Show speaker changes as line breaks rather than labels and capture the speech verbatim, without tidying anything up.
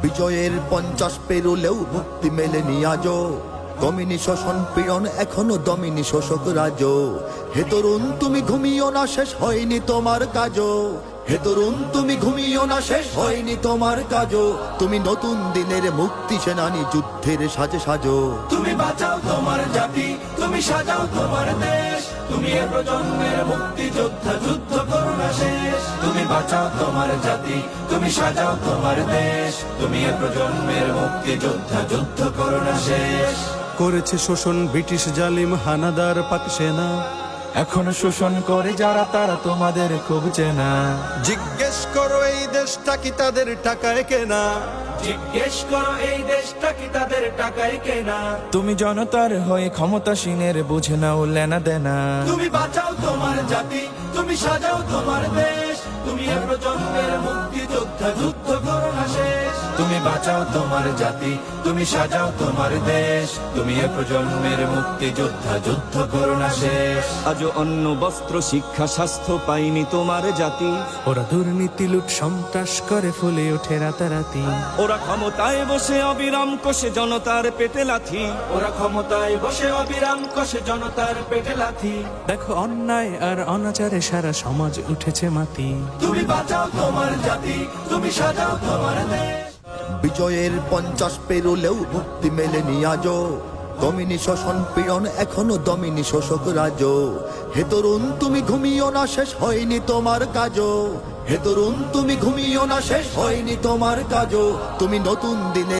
বিজয়ের পঞ্চাশ পেরুলেও মুক্তি মেলেনি আজো, দমিনী শোষণ পীড়ন এখনো দমিনী শোষক রাজ। হে তরুণ তুমি ঘুমিও না, শেষ হয়নি তোমার কাজও। হে তরুণ তুমি ঘুমিও না, শেষ হয়নি তোমার কাজও। তুমি নতুন দিনের মুক্তি সেনানী, যুদ্ধের সাজে সাজো।
তুমি বাঁচাও তোমার জাতি, তুমি সাজাও তোমার দেশ, তুমি এ প্রজন্মের মুক্তি যোদ্ধা, যুদ্ধ করো না শেষ। তুমি বাঁচাও তোমার জাতি, তুমি সাজাও তোমার দেশ, তুমি এ প্রজন্মের মুক্তি যোদ্ধা, যুদ্ধ করো না শেষ।
করেছে শোষণ ব্রিটিশ জালিম হানাদার পাক সেনা,
এখন শোষণ করে যারা তারা তোমাদের খুব চেনা।
জিজ্ঞেস করো এই দেশটা কি তাদের টাকায় কেনা।
জিজ্ঞেস করো এই দেশটা কি তাদের টাকায় কেনা। তুমি জনতার হয়ে ক্ষমতাসীনের বুঝে নাও লেনা দেনা। তুমি বাঁচাও তোমার জাতি, তুমি সাজাও তোমার দেশ, তুমি এ প্রজন্মের মুক্তি যোদ্ধা, যুদ্ধ করো না শেষ। তুমি বাঁচাও তোমার জাতি, তুমি সাজাও তোমার দেশ, তুমি এ প্রজন্মের মুক্তি যোদ্ধা, যুদ্ধ করো না শেষ।
আজও অন্ন বস্ত্র শিক্ষা স্বাস্থ্য পাইনি তোমার জাতি।
ওরা দুর্নীতি লুট সন্ত্রাস করে ফুলে ওঠে রাতারাতি।
ওরা ক্ষমতায় বসে অবিরাম কষে জনতার পেটে লাথি।
ওরা ক্ষমতায় বসে অবিরাম কষে জনতার পেটে লাথি।
দেখো অন্যায় আর অনাচারে সারা সমাজ উঠেছে মাতি।
তুমি বাঁচাও তোমার জাতি, তুমি সাজাও তোমার দেশ।
বিজয়ের পঞ্চাশ পেরুলেও মুক্তি মেলেনি আজো, দমিনী শোষণ পীড়ন এখনো দমিনী শোষক রাজ। হে তরুণ তুমি ঘুমিও না, শেষ হয়নি তোমার কাজও। হে তরুণ তুমি ঘুমিও না, শেষ হয়নি তোমার কাজও। তুমি নতুন দিনে